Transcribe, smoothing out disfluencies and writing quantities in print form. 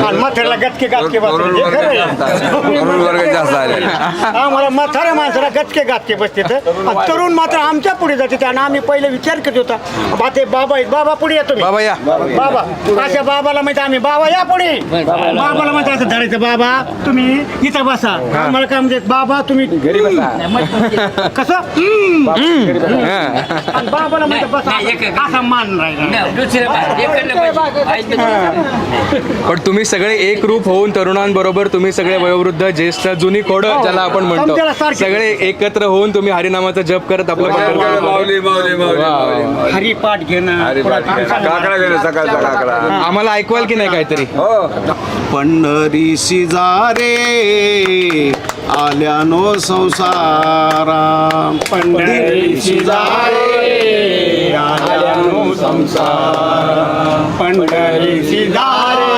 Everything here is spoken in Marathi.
आणि म्हाताऱ्याला गटके गातके बसते हे खरं आहे. आम्हाला म्हाताऱ्या माणसाला गटके गातके बसते तरुण मात्र आमच्या पुढे जाते आणि आम्ही पहिले विचार करत होता बा ते बाबा आहेत बाबा पुढे येतो बाबा या. बाबा अशा बाबाला माहिती आम्ही बाबा या पुढे बाबाला माहिती असं धरायचं बाबा तुम्ही इथं बसा आम्हाला काय म्हणजे बाबा तुम्ही कसं आणि बाबाला माहिती बसा असा मान राहिला. पण तुम्ही सगळे एक रूप होऊन तरुणांबरोबर तुम्ही सगळे वयोवृद्ध ज्येष्ठ जुनी खोड ज्याला आपण म्हणतो समजायला सारखी. सगळे एकत्र होऊन तुम्ही हरिनामाचा जप करत आपलं पंढरपूर- माऊली माऊली माऊली माऊली हरिपाठ घेणं काकडा गेले सकाळचा काकडा आम्हाला ऐकवाल की नाही काहीतरी हो पंढरी शिजारे आल्यानो संसारा पंढरी शिजारे आल्यानो संसार पंढरी शिजारे